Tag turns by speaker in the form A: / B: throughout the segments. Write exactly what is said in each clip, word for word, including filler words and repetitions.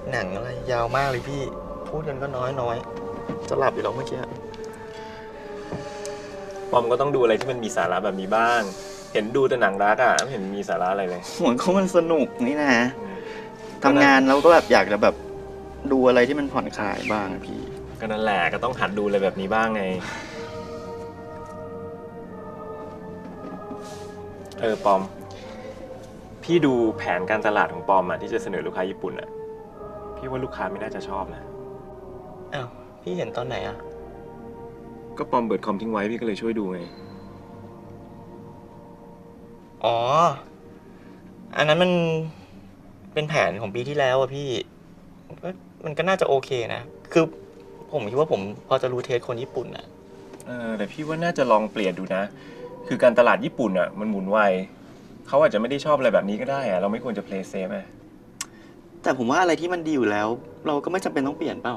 A: หนังอะไรยาวมากเลยพี่พูดกันก็น้อยน้อยจะหลับอยู่แล้วเมื่อกี้
B: ปอมก็ต้องดูอะไรที่มันมีสาระแบบนี้บ้างเห็นดูแต่หนังรักอ่ะไม่เห็นมีสาระอะไรเลย
A: เหมือนเขามันสนุกนี่นะทำงานเราก็แบบอยากจะแบบดูอะไรที่มันผ่อนคลายบ้างพี่
B: ก็นั่นแหละก็ต้องหัดดูอะไรแบบนี้บ้างไงเออปอมพี่ดูแผนการตลาดของปอมอ่ะที่จะเสนอลูกค้าญี่ปุ่นอ่ะพี่ว่าลูกค้าไม่น่าจะชอบนะ
A: อ้าวพี่เห็นตอนไหนอ่ะ
B: ก็ปอมเปิดคอมทิ้งไว้พี่ก็เลยช่วยดูไง
A: อ๋ออันนั้นมันเป็นแผนของปีที่แล้วอะพี่มันก็น่าจะโอเคนะคือผมคิดว่าผมพอจะรู้เทสคนญี่ปุ่นอะ
B: เออแต่พี่ว่าน่าจะลองเปลี่ยนดูนะคือการตลาดญี่ปุ่นอ่ะมันหมุนไวเขาอาจจะไม่ได้ชอบอะไรแบบนี้ก็ได้อะเราไม่ควรจะ play safe อ่ะ
A: แต่ผมว่าอะไรที่มันดีอยู่แล้วเราก็ไม่จำเป็นต้องเปลี่ยนเปล่า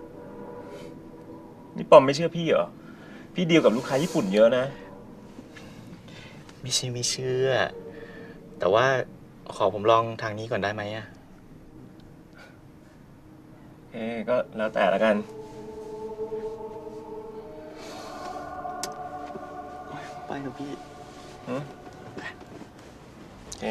B: นี่ปอมไม่เชื่อพี่เหรอพี่ดีลกับลูกค้าญี่ปุ่นเยอะนะ
A: ไม่ใช่ไม่เชื่อแต่ว่าขอผมลองทางนี้ก่อนได้ไหมอะ
B: เอ๊ก็แล้วแต่ละกัน
A: ไปเถอะพี่
B: อืมโอเค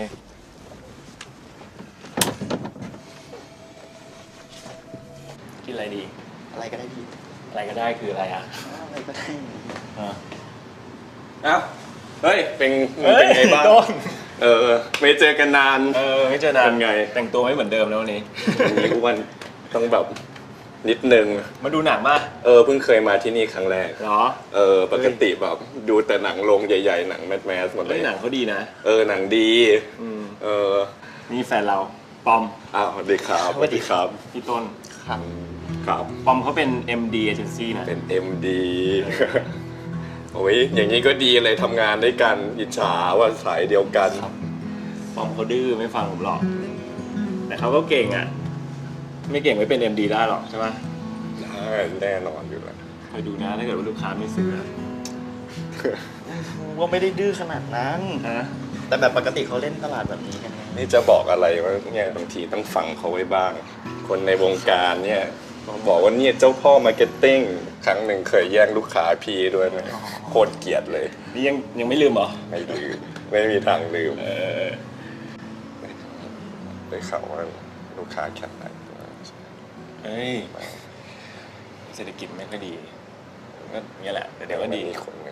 B: กินอะไรดี
A: อะไรก็ได้พี่
B: อะไรก็ได้คืออะไรอ่ะ
A: อะไรก็ได้
B: อ่า
C: เอ้าเฮ้ยเป็นเป็นไงบ้างเออไม่เจอกันนาน
B: เออไม่เจอนาน
C: เป็นไง
B: แต่งตัวไม่เหมือนเดิมแล้ววันนี้
C: วันนี้อ้วนต้องแบบนิดนึง
B: มาดูหนังมา
C: เออเพิ่งเคยมาที่นี่ครั้งแรก
B: เหรอ
C: เออปกติแบบดูแต่หนังโรงใหญ่ๆหนังแมสแมสหมดเลย
B: หนังเขาดีนะ
C: เออหนังดีเออ
B: นี่แฟนเราปอม
C: อ้าวสวัสดีครับสวัสดีครับ
B: พี่ต้น
A: ครับ
C: ครับ
B: ปอมเขาเป็น เอ็ม ดี Agency นะ
C: เป็น เอ็ม ดี โอ้ยอย่างนี้ก็ดีเลยทำงานด้วยกันอิจฉาว่าสายเดียวกัน
B: ปอมเขาดื้อไม่ฟังผมหรอกแต่เขาก็เก่งอ่ะไม่เก่งไม่เป็น เอ็ม ดี ได้หรอกใช่ไหม
C: แน่นอนอยู่แล้ว
B: คอยดูนะถ้าเกิดว่าลูกค้าไม่ซื้อ
A: ว่าไม่ได้ดื้อขนาดนั้น
B: นะ
A: แต่แบบปกติเขาเล่นตลาดแบบนี้กันไง
C: นี่จะบอกอะไรว่าเนี่ยบางทีต้องฟังเขาไว้บ้างคนในวงการเนี่ยบอกว่าเนี่ยเจ้าพ่อมาร์เก็ตติ้งครั้งหนึ่งเคยแย่งลูกค้าพี่ด้วยนะโคตรเกลียดเลย
B: นี่ยังยังไม่ลืมเหรอ
C: ไม่ลืมไม่มีทางลืม
B: เออ
C: ได้ข่าวว่าลูกค้าแข็งแรง
B: เฮ้ยเศรษฐกิจไม่ค่อยดีก็นี่แหละแต่เดี๋ยวก็ดี
C: มีคน